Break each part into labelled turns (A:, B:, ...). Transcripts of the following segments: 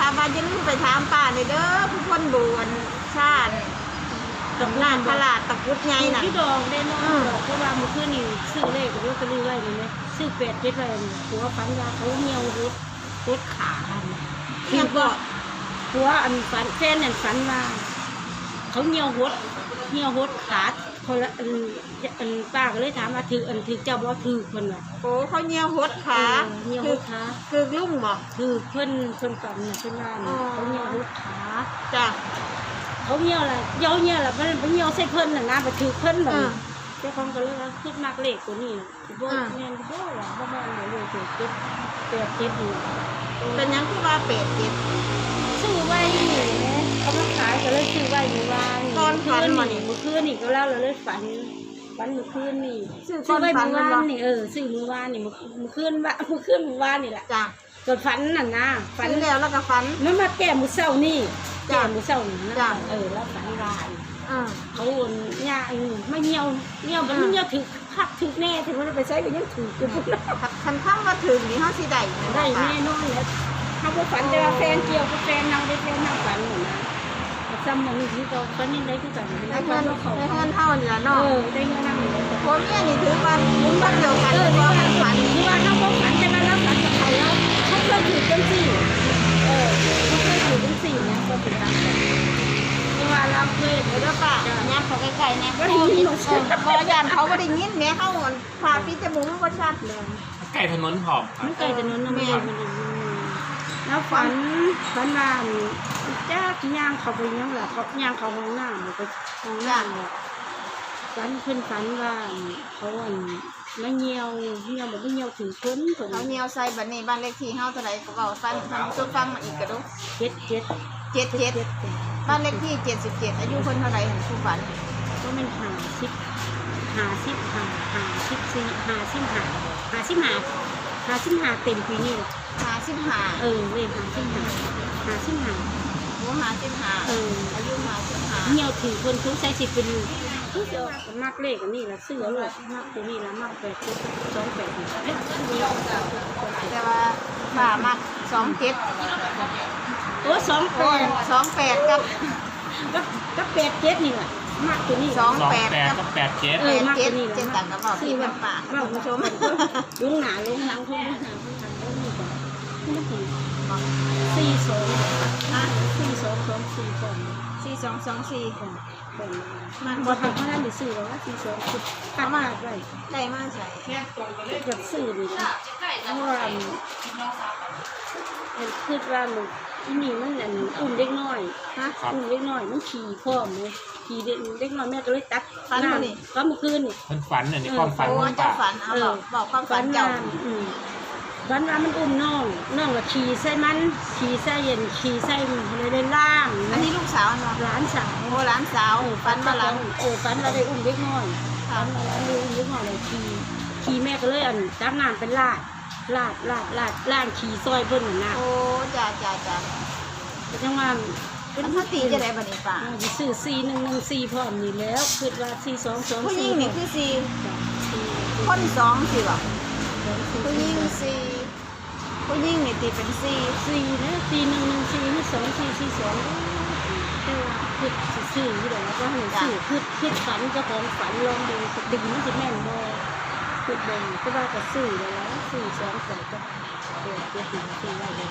A: ามว่าจะลืมไปถามป้าเลยเด้อผู้คนบวนชาติตำนานตลาดตะกุดไงน่ะ
B: พี่ดองได้น้องดอกเพราะว่าเมื่อคืนนี่ซื้อเลขกับลอตเตอรี่ไว้เลยนะซื้อ8 7ไว้หัวฝันยาเขาเหี่ยวรถขาคือว่าหัวอันฝันแฟนนั่นฝันว่าเขาเหี่ยวรถขาคนละอันป้าก็เลยถามว่าถือเจ้าบ่ถือคนน่ะ
A: โอ้เขาเหี่ยวหดขา
B: เหี่ยวรถขา
A: คือลุ่มบ่
B: ถือเพิ่นฝันน่ะเพิ่นว่าเขาเหี่ยวรถขา
A: จ้ะ
B: เขาเหี่ยวละเหี่ยวละมันเหี่ยวใส่เพิ่นน่ะนะไปถือเพิ่นแบบเจ้าของก็เลยว่าคิดมากเลขตัวนี้บ่แม่นบ่ล่ะบ่แม่นเลยถือ8 7นี่
A: เป็นยังคือว่าเป็ดเจ็ด
B: ซื้อไว้นี่แหละเขามาขายก็เลยซื้อไว้เมื่อวาน
A: ตอนฝันมานี่
B: เมื่อคืนนี่ก็เล่าเลยฝันเมื่อคืนนี่ซื้อไว้เมื่อวานนี่ซื้อเมื่อวานนี่เมื่อคืนเมื่อวานนี่แหละ
A: จ้ะ
B: จนฝันน่ะนะ
A: ฝันแล้วก็ฝัน
B: มันมาแก้มื้อเช้านี่แก้มื้อเช้านี่นะแล้วฝันร้ายเขาเนี่ยไม่เหี่ยวมันเหี่ยวถือคักถือแน่ถึงมันไปใช้ก็ยังถืออยู่
A: คันข้างมาถึงนี่เฮาสิได้
B: แน่นอนแล้วเขาบ่ฝันแต่ว่าแฟนเกี่ยวกับแฟนนั่งได้แฟนนั่งฝันน่ะนะซ้ำมันนี่ก็ฝันนี่ได้คือกัน
A: ได้เงินเท่านี่ล่ะเนาะ
B: ได้เงินนั่งนี่
A: ผัวเมียนี่ถือว่ามุ้งบ้านเดียวกันบ่ฝัน
B: ที่ว่าเขาบ่ฝันแต่ว่าเราฝันกับเขาแล้วเขาเคยถือจังซี่เขาเคยถือจังซี่เนี่ยก็เป็นตามกันว่าเราเคย
A: เด้อป้ายับเขาใกล้ๆแน่บ่ย่านเขาบ่ได้ยินแม่เฮาพาพี่จมูกมันบ่ชัดเลย
C: ใกล้ถนนผอม
B: มันใกล้ถนนแม่แล้วฝันว่าจ้าย่างเขาไปยังล่ะเขาย่างเขาห้องน้ำไปห้องน้ำฝันขึ้นฝันว่าเขาไม่เหี่ยวแบบไม่เหี่ยวถึงพ้น
A: เขาเหี่ยวใส่บัดนี้บ้านเลขที่เฮาเท่าไหร่ก็เว้าฟังจนฟังมาอีกกระดู77บ้านเลขที่77อายุคนเท่าไหร่เห็นผู้ฝัน
B: ก็มัน55เต็มปีนี้
A: 55
B: เลย55
A: โอ้55อายุ55
B: เหี่ยวถึงคนทุกใช้สิเป็นทุกเดียวมักเลขอันนี้ละเสื้อเลยมักตัวนี้ละมัก8 28
A: แต่ว่าป้ามัก27
B: โอ้
A: 28
B: กับ87นี่แหละมักตัวนี้
A: 28กับ
C: 87
B: มักตัวนี้
A: เจ็ดต่างกับบอกพี่น้ำป้าคุณผู้ชม
B: ลุงหนาลุงหลังคุณนี่ก่อน4224ก่อน
A: 4224
B: ก่อนมันบ่ทำเพราะนั้นได้ซื้อแล้ว42คือข้ามากเลย
A: ได้มาใส่
B: กับซื้อนี่เพราะว่าคือว่าอีนี่มันอุ้มเล็กน้อยอุ้มเล็กน้อยมันขี่พร้อมเลยขี่เล็กน้อยแม่ก็เลยตัด
A: ฝันนี่
B: ก็เมื่อคืนนี่
C: มันฝันนี่ความฝัน
A: มันจะฝันบอกความฝันเจ้า
B: ฝันว่ามันอุ้มน้องละขี่ใส่มันขี่ใส่เย็นขี่ใส่เลยล่าง
A: อันนี้ลูกสาวเนาะ
B: หลานสาว
A: หลานสาวฝันมาหลัง
B: ฝันเราได้อุ้มเล็กน้อยฝันเราได้อุ้มเล็กน้อยเลยขี่แม่ก็เลยจับน้ำเป็นลาดขี่ซอยเพิ่นน่ะ
A: โอ้จ้า
B: จังว่า
A: เป็นพตีจะได้บัดนี้ป้า
B: ซื้อ4114พร้อมนี่แล้วคิดว่า4224
A: ผู้หญิงนี่คือ4คน2สิบ่ผู้หญิง4ผู้หญิงนี่ตีเป็น4
B: นะ4114นี่2442แต่ว่าคิดซื้ออยู่แล้วก็ให้ซื้อคิดฝันเจ้าของฝันลองดูดึงมันสิแม่นบ่คิดเบิ่งแต่ว่าก็ซื้อแล้ว42ก็7ไว้เลย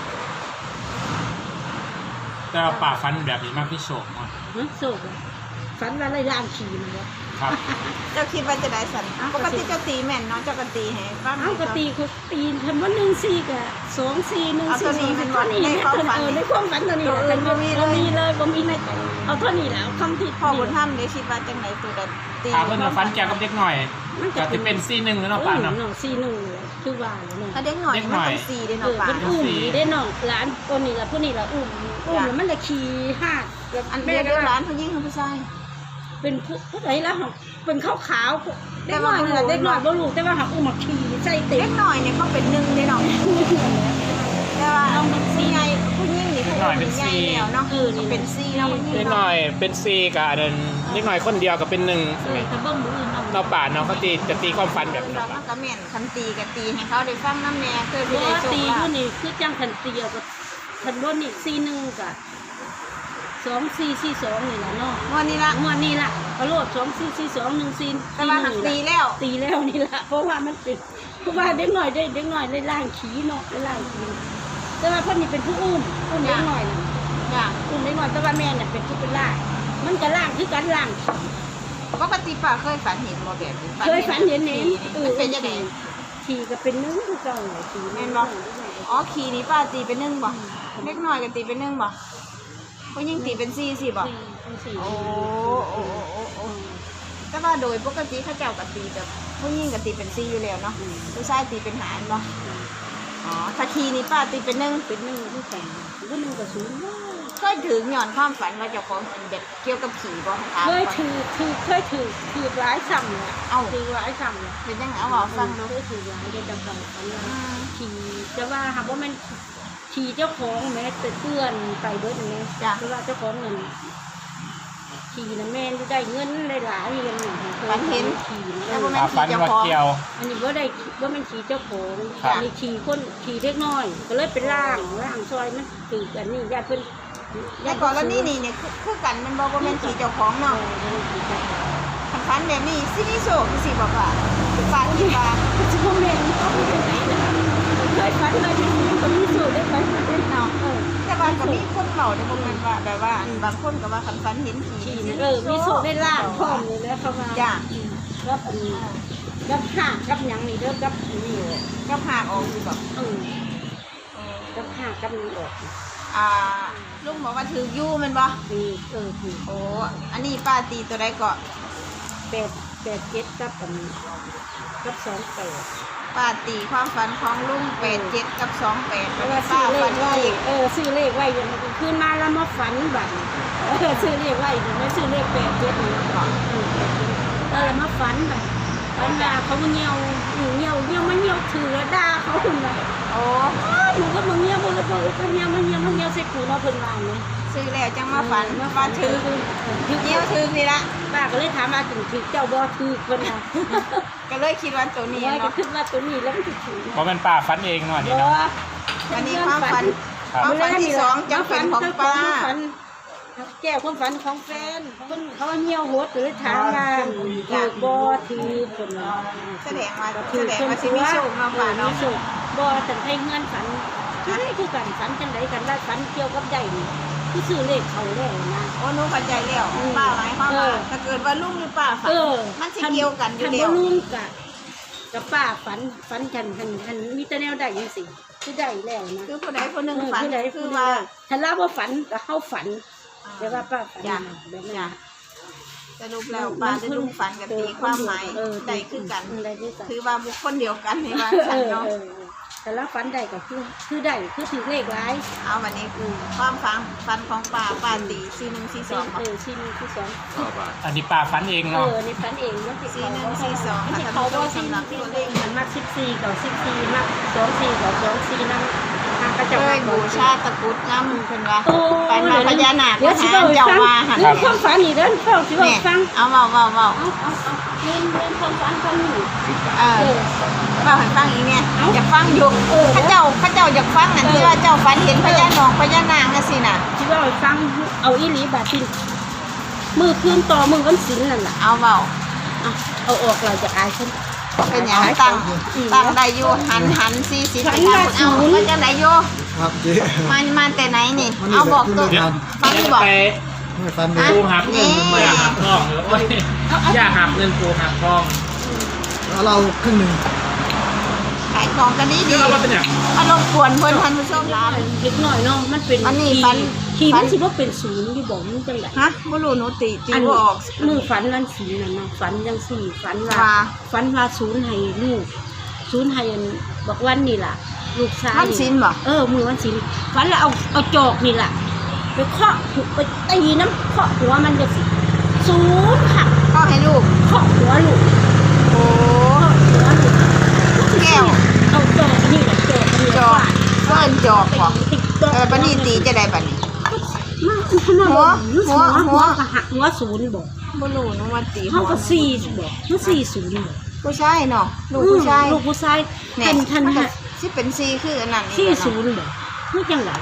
C: แต่ป่าฟันแบบนี้มากพี่โศกมั้ง
B: โศกฝันว่าอะไรล่างขี่มันวะ
C: ครับ
A: เจ้าคิดว่าจะได้สันปกติเจ้าตีแม่นเนาะเจ้าก็ตีให้ฟัง
B: ปกติเขาตีทำว่า14กับ2414
A: เอาตัวนี้เป็นวัน
B: ในความฝันตัวนี้บ่มีเลยบ่มีในเอาเท่านี้แล้วคำที่
A: พ่อบุญธรรมได้คิดว่าจังไหนตัวใด
C: ตีเพิ่นมาฟันแกกับเด็กหน่อยก็จะเป็น41แล้วเนาะป้าเนาะ
B: 41คือว่าเนาะ
A: ถ้าเด็กหน่อยมันเป็น4เด้เนาะป้า
B: เป็นอุ้มได้น้องหลานคนนี้ล่ะผู้นี้ล่ะอุ้มมันละขี่หาด
A: อันแม่เด้อหลานผู้หญิงผู้ชาย
B: เป็นผู้ใดล่ะเป็นขาวๆเด็กน้อยบ่รู้แต่ว่าหักอุ้มมาขี่ใส่เต็ม
A: เด็กน้อยเนี่ยเขาเป็น1เด้เนาะแต่ว่าเอาเป็น4ใหญ่ผู้หญิงนี่ผู้เป็นใหญ่แล้วเนาะนี่เป็น4แล้ว
C: เด็กน้อยเป็น4กับอันเด็กน้อยคนเดียวก็เป็น1ใช่มั้ย
B: ถ้าเบิ่งมื้ออื่น
C: เนาะป่าเนาะเขาจะตีความฝันแบบ
A: นั้นก็แม่นคันตีก็ตีให้เขาได้ฟังนำแม่เคยสิได้
B: ตีผู้นี้คือจังคันตีก็คันรถนี่41กับ2442นี่ล่ะเนาะ
A: งวดนี้ละ
B: งวดนี้ล่ะกระโลด244214
A: แต่ว่าหักตีแล้ว
B: ตีแล้วนี่ล่ะเพราะว่ามันเป็นเพราะว่าเด็กน้อยได้ล่างขี้เนาะได้ล่างขี้แต่ว่าเพิ่นนี่เป็นผู้อุ้มเด็กน้อยน่ะ
A: จ้ะ
B: อุ้มเด็กน้อยแต่ว่าแม่น่ะเป็นผู้เป็นล่างมันก็ล่างคือกันล่างขี้
A: ปกติป้าเคยฝันเห็นบ่แบบนี้
B: เคยฝันเห็น
A: มันเป็นยังไง
B: ขี่ก็เป็น1คือเก่าเลยขี่
A: แม่นบ่อ๋อขี่นี่ป้าตีเป็น1บ่เล็กน้อยก็ตีเป็น1บ่ผู้หญิงตีเป็น4สิบ่โอ้โอ้โอ้โอ้แต่ว่าโดยปกติเขาเจ้าก็ตีแบบผู้หญิงก็ตีเป็น4อยู่แล้วเนาะผู้ชายตีเป็น5บ่อ๋อถ้าขี่นี่ป้าตีเป็น1
B: เป็น1คือกันก็1กับ0
A: เคยถึงหย่อนความฝันว่าเจ้าของเป็นแบบเกี่ยวกับผีบ่คะ
B: เคยถือหลายซ้ำเนี่ยถือหลายซ้ำเนี่ย
A: เป็นยังไงเอาบอกฟังดู
B: เคยถือหลายได้จำกันขี่จะว่าหากว่ามันขี่เจ้าของแม่แต่เพื่อนไปเบิดนี่เพราะว่าเจ้าของเงินขี่นะแม่ได้เงินได้หลายเงินขี่
A: แล้วบ่แม่น
C: ฝัน
A: ขี่เจ้า
C: ว่า
A: ของ
C: เกี่ยว
B: อันนี้ว่าได้ว่ามันขี่เจ้าของ
C: ครับ
B: อันนี้ขี่คนขี่เล็กน้อยก็เลยเป็นล่างซอยมันถือกันนี่ญาติเพิ่น
A: แต่ก่อนแล้วนี่เนี่ยคือกันมันบอกว่าแม่นขี่เจ้าของเนาะฝันแบบนี้สิมีโชคสิบอกว่าฝันที่ว่า
B: จะพ่อแม่เขาไปไหนนะเคยฝันเลยก็มีสูตรได้ฝันได้
A: เนาะแต่ว่าก็มีคนเมาในบ่แม่นว่าแบบว่าบางคนก็ว่าคันฝันเห็นผี
B: ขี่มีสูตรได้ล่างพร้อมเลยแล้วเขามา
A: จ้ะ
B: รับอันนี้รับห่างรับหยังนี่เด้อรับนี่
A: ก็พาออกสิบอก
B: รับห่างรับนี่ออก
A: ลุงบอกว่าถืออยู่แม่นบ่
B: นี่ถือ
A: โอ้อันนี้ป้าตีตัวใดก็
B: 8 กับอันกับ28
A: ป้าตีความฝันของลุง87กับ28
B: เพ
A: แล้ว
B: ราะว่า
A: ป้า
B: ซื้อเล
A: ฝั
B: ข
A: น
B: ไว้
A: อีก
B: ซื้อเลขไว้เดี๋ยวมันขึ้นมาแล้วมาฝันบัดซื้อเลขไว้เดี๋ยวไม่ซื้อเลข8 7นี่ก่อนแล้วมาฝันบัดฝันว่าเขาเหี่ยวมันเหี่ยวถือแล้วด่าเขาคนน่ะ
A: โอ้
B: หนูก็มึงเหี่ยวบ่ก็เหี่ยวใส่กูเนาะเพิ่นว่านี่
A: ซื้อแล้วจังมาฝันว่าถือเงี้ยวถือนี่ละ
B: ป้าก็เลยถามว่าถึงเจ้าบ่ถือเพิ่นน่ะ
A: ก็เลยคิดว่าตัวนี้
B: ว่าก็
A: เนาะ
B: คิดว่าตัวนี้แล้วมันสิถือ
C: เพราะมันป้าฝันเองเนาะนี่
B: บ่
C: เนาะ
A: อันนี้ความฝัน
C: ครับ
A: ความฝันที่สองจังเป็นของป้า
B: แก้ความฝันของแฟนเพิ่นเขาเหี่ยวโหดก็เลยถามว่าถือบ่ถือเพิ่นว่า
A: แสดงว่าสิมีโชคเนาะป้าเนาะ
B: มีโชคบ่แต่ให้เงินฝันคือกันฝันจังไดกันว่าฝันเกี่ยวกับใหญ่นี่คือซื้อเลขเขาแล้วนะ
A: โอ้หนูเข้าใจแล้วป้าหมายความว่าถ้าเกิดว่าลุงหรือป้าฝันมันสิเกี่ยวกันอยู่
B: ทัน
A: แล้
B: บ่
A: ว
B: ลุงกับป้าฝันทันมีแต่แนวใดจังซี่คือได้แล้วนะ
A: คือผู้ใดผู้หนึ่งฝันคือว่า
B: ถ้าเราบ่ฝันก็เฮาฝันแต่ว่าป้าฝันแบบนั้น
A: สรุปแล้วป้าได้ลุงฝันกันตีความหมายได้คือกัน
B: ได้คือกัน
A: คือว่าบุคคลเดียวกันในว่าฉันเนาะ
B: แต่ละฝันได้ก็คือได้คือถือเลขหลาย
A: เอาวันนี้คือความฝันของป้าตี4142
B: ชิ้นที่สอง
C: อันนี้ป้าฝันเองเนาะ
B: นี่ฝันเองมันสิ
A: 4142ค่ะ
B: เขา
A: ท่าน
B: บ่
A: ผู้ชมสำหรับตัวเลข
B: มันมัก14กับ14มัก24กับ24นำทางกระ
A: เค
B: เจ้าย
A: บูชาตะกรุดน้ำเพิ่นว่า
B: โอ้
A: ไปมาพญานาค
B: เดี๋ยวสิ
A: หา
B: เว้า
A: เจ้า
B: ฟัง
A: ว่าหั่น
B: เรื่องความฝันนี่เด้อเฝ้าสิเว้า
A: แม่
B: ฟัง
A: เอาเว้า
B: เอาเรื่องความฝันฟังนี่
A: ว่าให้ฟังอีกเนี่ยอยากฟังอยู่ข้าเจ้าอยากฟังนั่นที่ว่าเจ้าฝันเห็นพญานองพญานางจังซี่น่ะ
B: สิเว้าให้ฟังเอาอีหลีบาดที่มือคืนต่อมือวันศีลนั่นล่ะ
A: เอาเว้า
B: เอาออกเราจะอายฉัน
A: เป็นหยังตั้งได้อยู่หัน40ไปทางเอาว่าจังได๋อยู่
D: ครับเจ๊
A: มาแต่ไหนนี่เอาบอกตัวฟังอยู่บอก
C: ไป
D: ไม่ฟัน
C: ปู
D: เลย
C: หักเงินอย่าหักทองโอ้ยอย่าหักเงินปูหักทอง
D: แล้วเราครึ่งหนึ่ง
A: ขายของกันนี้ดี
C: นี่เราว่าเป็นอย่าง
A: อารมณ์กวนเพิ่นท่านผู้ชมลา
B: เล็กน้อยเนาะมันเป็น
A: อันนี้ฝัน
B: ขี่มันสิว่าเป็นศูนย์อยู่บอกมันจังได
A: ฮะบ่รู้หนูตี
B: อัน
A: บ่ออก
B: มือฝันวันศีลน่ะเนาะฝันจังซี่ฝันว่า
A: ว่า
B: ฝันว่าศูนย์ให้ลูกศูนย์ให้อันบอกวันนี่ล่ะ ลูกชาย
A: มันศีลบ่
B: มือวันศีลฝันแล้วเอาจอกนี่ล่ะไปเคาะไปตีน้ำเคาะหัวมันจะสิศูนย์ค่ะ
A: ก็ให้ลูก
B: เคาะหัวลูก
A: โอ้
B: หัวลูก
A: แก้ว
B: เอาจอกนี่แหละจอกนี่
A: จอกเพิ่นจอกบ่บัดนี้ตีจะได้บัดนี้
B: หัวก็หักหัวศูนย์บอก
A: บ่รู้หนูว่าตี
B: เขาก็สี่บอกมันสี่ศูนย์บอก
A: ผู้ชายเนาะลูกผู้ชาย
B: ลูกผู้ชาย
A: เนี่ย
B: ทัน
A: มันก็
B: ฮะ
A: สิเป็น4คืออันนั้น
B: สี่
A: นี่
B: ศูนย์บอกนี่จังหวะ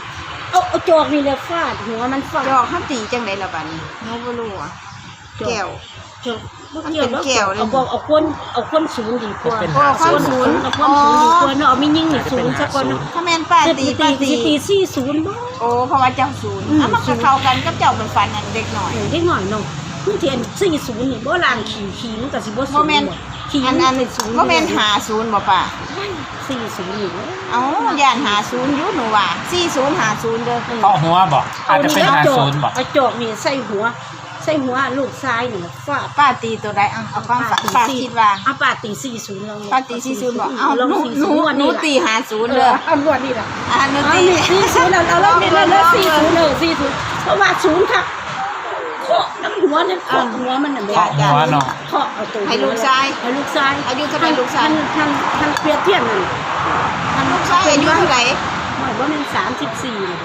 B: เอาจอกนี่แหละฟาดหัวมันฟาด
A: จอกเขาตีจังไดล่ะบัดนี้เขาบ่รู้อ่ะแก้ว
B: จอก
A: มันเป็นแก้วเลย
B: เอาคนศูนย์ดีกว่า
C: เป็น
A: โอ้ข้อศูนย์
B: เอาคนศูนย์ดีกว่าเนาะเอาไม่ยิ่งนี่ศูนย์สักคน
A: ถ้าแม่นป้าตีป้าตี
B: ตีสี่ศูนย์บ่
A: โอ้เพราะว่าเจ้าศูนย์
B: อืม
A: มันก็เข้ากันกับเจ้าเป็นฟันนั่นเด็กหน่อย
B: เด็กหน่อยเนาะมันเทียน40นี่บ่ลางขี่มันก็สิบ่
A: บ่
B: ศูนย์
A: แม่น
B: ขี่
A: อัน
B: มันเป็นศูนย์
A: บ่แม่นหาศูนย์บ่ป้า
B: 40นี่
A: เอ้าย่านหาศูนย์อยู่หนูว่า40หาศูนย์เด้อ
C: เคาะหัวบอกอาจจะเป็น50บอก
B: เอาจอกนี่ใส่หัวลูกซ้ายนี่ฟาด
A: ป้าตีตัวใดเอาความฝันป้าคิดว่า
B: เอาป้าตี40แล้ว
A: ป้าตี40บอกเอ้า
B: ลอง
A: หนูตีหาศูนย์เด้อ
B: เอาลวดนี่ล่ะ
A: หนู
B: เอา
A: ตี
B: นี่40เอาลองนี่แล้ว40เพราะว่า0ค่ะเคาะน้ำหัวเนี่ยเคาะหัวมันน่ะ
C: เคาะหัวเนาะ
B: เคาะเอาตัว
A: ให้ลูกชาย
B: ให้ลูกชาย
A: อายุเท่าไหร่ลูกชาย
B: ท่านเปรียบเทียบนั่น
A: ลูกชายอายุเท่าไหร่
B: หมายว่ามัน34เลย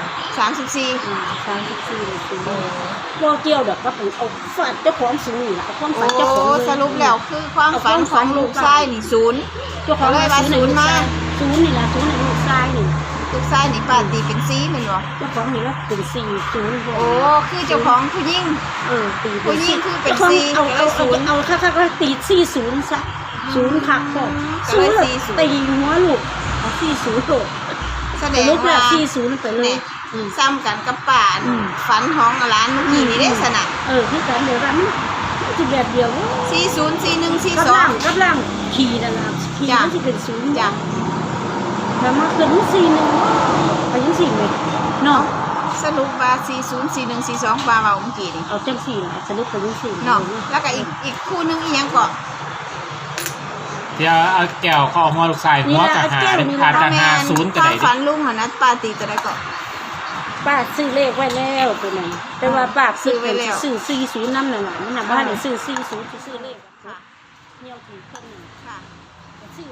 A: 34
B: 34เลยสิบ่เกี่ยวดอกว่าเอาฟาดเจ้าของสูงนี่ล่ะเอาความ
A: โอ้
B: ฝันเจ้าของเลย
A: สรุปแล้วคือความฝันของลูกชายนี่ศูนย์
B: เจ้าของ
A: เลยว่าศูนย์มา
B: ศูนย์นี่ล่ะศูนย์ในลูกชายนี่
A: ลูกชายนี่ป้าตีเป็น4แม่นบ่
B: เจ้าของนี่ละเป็น4ศูนย์
A: โอ้คือเจ้าของผู้หญิง
B: ตี
A: ผู้หญิงคือเป็น
B: จ้าของ
A: 4
B: เอา
A: ก็เลยศูนย์
B: ค่ะก็ตี40ซะศูนย์ค่ะพ่อ
A: ก็เลย
B: ศูนย์
A: 40
B: ตีหัวลูกเอา40โลด
A: แสด
B: แต่
A: ง
B: ลูกละ
A: ว่า
B: 40ไปเลย
A: เนี่ยซ้ำกันกับป่าน ฝันของร้านเมื่อกี้นี่ได้สนะ
B: คือการเดียวกันมันจะแบบเดียว
A: 40 41
B: กับล่าง
A: 42
B: กับล่างขี่นั่นล่ะขี่
A: จ้ะ
B: มันจะเป็นศูนย์
A: จ้ะ
B: แล้วมาเกิด41ไปยัง4เลยเนาะ
A: สรุปว่า40 41 42ป่าว่าเมื่อกี้นี่
B: เอาจัง4ล่ะสรุปไปยัง4
A: เนาะแล้วก็อีกคู่หนึงอีหยังก็
C: เดี๋ยวเอาแก้วเคาะหัวลูกชายหัวกับหาเป็นอาจจะ50ก็
A: ควา
C: ได้
A: ม
C: ดิ
A: ฝันลุงหั่นนะป้าตีตัวใดก็
B: ป้าซื้อเลขไว้แล้วตัวนั้นแต่ว่าป้า
A: ซื้อไว้แล้ว
B: ซื้อ40นำนั่นน่ะมันน่ะบ่ได้ซื้อ40ซื้อเลข
A: ค่ะ
B: เหี่ยวกี่เครื่องนึง
A: ค่ะ
B: ซื้อ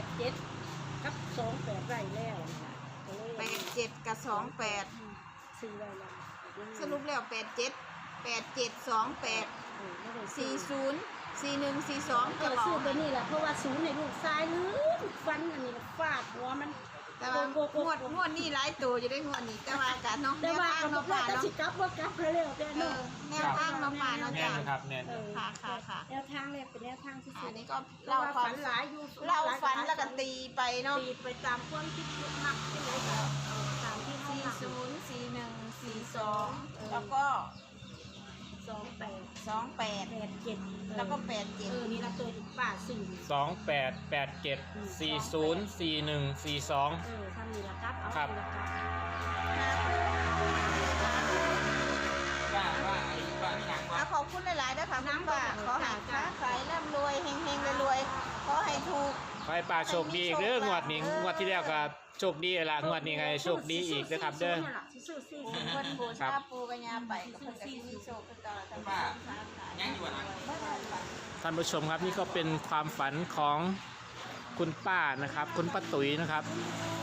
B: 87กับ28ไว้แล้วก็เลย
A: 87กับ28
B: ซื้อไว้แล้ว
A: สรุปแล้ว87 87 28 40 41 42จะบอ
B: ซื้อก ตัวนี้แหละเพราะว่าศูนย์ในลูกซ้ายลืมฟันอันนี้ฟาดหัวมัน
A: แต่ว่างวดนี่หลายตัวจะได้งวดนี้แต่ว่าการเนาะ
B: แต่
A: แนว
B: ว่า
A: ทาง
B: ก็
A: เนาะ
B: ว่า
A: ป่า
B: จะ
A: เนาะ
B: สิกลับว่ากลับเร็วแต่
A: เอ
B: เนาะ
A: อแนวทางเนาะป่าเนาะ
C: แน่
A: จ้ะ
C: นะครับแน่น
A: ค่ะ
B: แนวทางเลยเป็นแนวทางที่สุ
A: อั
B: ด
A: นนี้ก็
B: เรา
A: เล่าควา
B: ฝั
A: ม
B: นหลายอยู่
A: เล่าฝันแล้วก็ตีไปเนาะ
B: ตีไปตามความคิดมักที่ไหนก็เอาตามที่เขามัก
A: 40 41 42แล้วก็
B: 28
A: 28
B: 87
A: แล้วก็
B: นี่ละตัวป้าสื่อ
C: 2887 40 41 42
B: ทำนี่ละครับเอา
C: ครับ
B: นี่ละครับ
A: ขอบคุณหลายๆนะคะคุณป้าขอให้ค้าขายร่ำรวยเฮงๆรวยๆขอให้ถูก
C: ขอให้ป้าโชคดีอีกเด้องวดนี้งวดที่แล้วก็โชคดีละงวดนี้ไงโชคดีอีกนะครับเด้อ
B: ซื้อซี่
A: เพิ่นบูชาปูกัญญาไปก็เพิ่นก็สิมีโชคคือเก่าทั้งบ้านยังอยู่นะ
C: ท่านผู้ชมครับนี่ก็เป็นความฝันของคุณป้านะครับคุณป้าตุ๋ยนะครับ